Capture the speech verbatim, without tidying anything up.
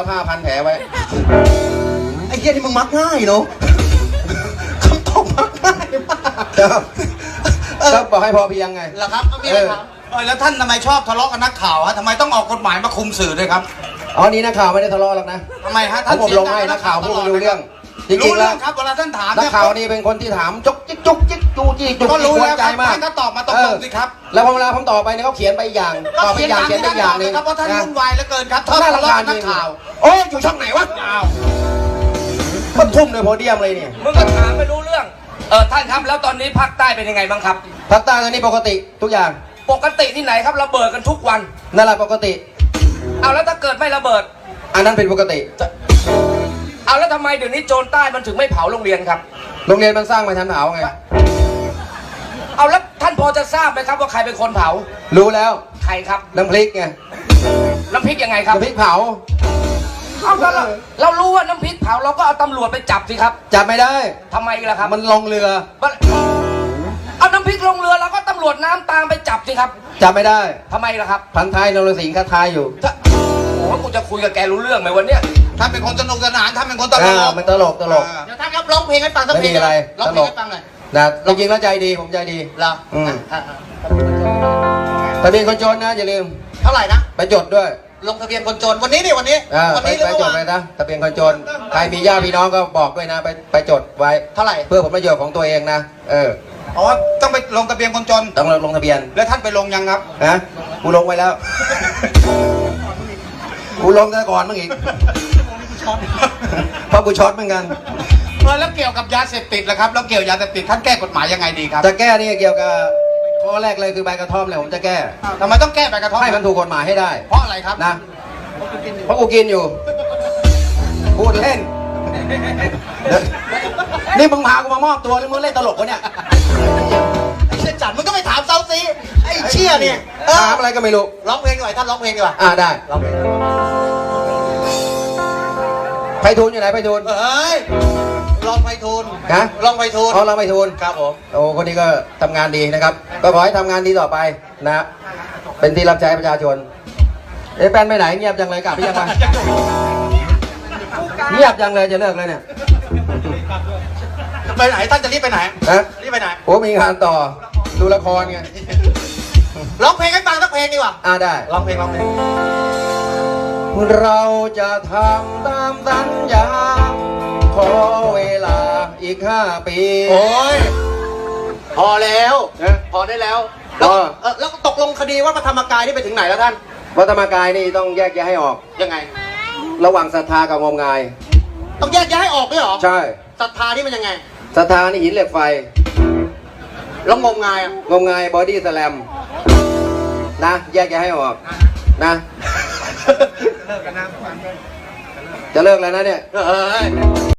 ผ้าพันแผลไว้ไอ้เหี้ยนี่มึงมักง่ายเนาะคำตอบมักง่ายมากก็บอกให้พอเพียงไงเหรอครับไม่มีอะไรครับแล้วท่านทำไมชอบทะเลาะกับนักข่าวฮะทำไมต้องออกกฎหมายมาคุมสื่อด้วยครับอ๋อนี่นักข่าวไม่ได้ทะเลาะหรอกนะทำไมฮะท่านผมลงให้นักข่าวพูดไม่รู้เรื่องจริงๆแล้วครับเวลาท่านถามนักข่าวนี่เป็นคนที่ถามจุกจิกจุกจิกจูจี้จุกจิกหัวใจมากท่านก็ตอบมาตรงๆสิครับแล้วพอเวลาผมตอบไปเนี่ยเขาเขียนไปอย่างตอบไปอย่างเขียนไปอย่างนึงครับเพราะท่านวุ่นวายเหลือเกินครับน่ารำคาญนักข่าวโอ้ยอยู่ช่องไหนวะมันทุ่มเลยโพเดียมเลยเนี่ยมึงก็ถามไม่รู้เรื่องเออท่านครับแล้วตอนนี้ภาคใต้เป็นยังไงบ้างครับภาคใต้ตอนนี้ปกติทุกอย่างปกติที่ไหนครับระเบิดกันทุกวันนั่นแหละปกติเอาแล้วถ้าเกิดไม่ระเบิดอันนั้นเป็นปกติเอาแล้วทำไมเดี๋ยวนี้โจรใต้มันถึงไม่เผาโรงเรียนครับโรงเรียนมันสร้างมาทันเผาไงเอาแล้วท่านพอจะทราบไหมครับว่าใครเป็นคนเผารู้แล้วใครครับน้ำพริกไงน้ำพริกยังไงครับน้ำพริกเผาเอาแล้วเราเรารู้ว่าน้ำพริกเผาเราก็เอาตำรวจไปจับสิครับจับไม่ได้ทำไมล่ะครับมันลงเรือเอาน้ำพริกลงเรือแล้วก็ตำรวจน้ำตามไปจับสิครับจับไม่ได้ทำไมล่ะครับพันท้ายนรสิงห์คาทายอยู่โอ้กูจะคุยกับแกรู้เรื่องไหมวันเนี้ยท่านเป็นคนสนุกสนานท่านเป็นคนตลกมันตลกตลกเดี๋ยวท่านครับร้องเพลงให้ฟังสักเพลงอะไรร้องเพลงให้ฟังหน่อยนะจริงๆแล้วใจดีผมใจดีเหรออืมทะเบียนคนจนนะอย่าลืมเท่าไหร่นะไปจดด้วยลงทะเบียนคนจนวันนี้นี่วันนี้วันนี้ไปจดเลยนะทะเบียนคนจนใครมีญาติพี่น้องก็บอกด้วยนะไปไปจดไว้เท่าไหร่เพื่อผลประโยชน์ของตัวเองนะเอออ๋อต้องไปลงทะเบียนคนจนต้องลงทะเบียนแล้วท่านไปลงยังครับนะกูลงไว้แล้วกูลงแต่ก่อนมึงอีกเพราะกูช็อตเหมือนกันเออแล้วเกี่ยวกับยาเสพติดล่ะครับแล้วเกี่ยวยาเสพติดท่านแก้กฎหมายยังไงดีครับจะแก้นี่เกี่ยวกับข้อแรกเลยคือใบกระท่อมเลยผมจะแก้ทำไมต้องแก้ใบกระท่อมให้มันถูกกฎหมายให้ได้เพราะอะไรครับนะเพราะกูกินอยู่พูดเล่นนี่มึงพากูมามอบตัวหรือมึงเล่นตลกวะเนี่ยไอ้เชี่ยจัดมึงก็ไปถามเซาซีไอ้เชี่ยเนี่ยถามอะไรก็ไม่รู้ร้องเพลงดีกว่าท่านร้องเพลงดีกว่าอ่าได้ร้องเพลงไพฑูรย์อยู่ไหนไพฑูรย์เฮ้ยลองไพฑูรย์ฮะลองไพฑูรย์อ๋อลองไพฑูรย์ครับผมโอ้คนนี้ก็ทำงานดีนะครับก็ขอให้ทำงานดีต่อไปนะเป็นที่รับใช้ประชาชนเอ๊ะแป้นไปไหนเงียบจังเลยกลับไปยังไงเงียบจังเลยจะเลิกเลยเนี่ยไปไหนท่านจะรีบไปไหนฮะรีบไปไหนโอ้มีงานต่อดูละครไงร้องเพลงให้ฟังสักเพลงดีกว่าอ่าได้ร้องเพลงร้องเพลงเราจะทำตามสัญญาขอเวลาอีกห้าปีโอ้ยพอแล้วพอได้แล้วแล้วแล้วตกลงคดีว่าพระธรรมกายนี่ไปถึงไหนแล้วท่านพระธรรมกายนี่ต้องแยกแยะให้ออกยังไงระหว่างศรัทธากับงมงายต้องแยกแยะให้ออกด้วยหรอใช่ศรัทธานี่มันยังไงศรัทธานี่หินเหล็กไฟแล้วงมงายอ่ะงมงายบอดี้สแลมนะแยกแยะให้ออกนะจะเลิกแล้วนะเนี่ย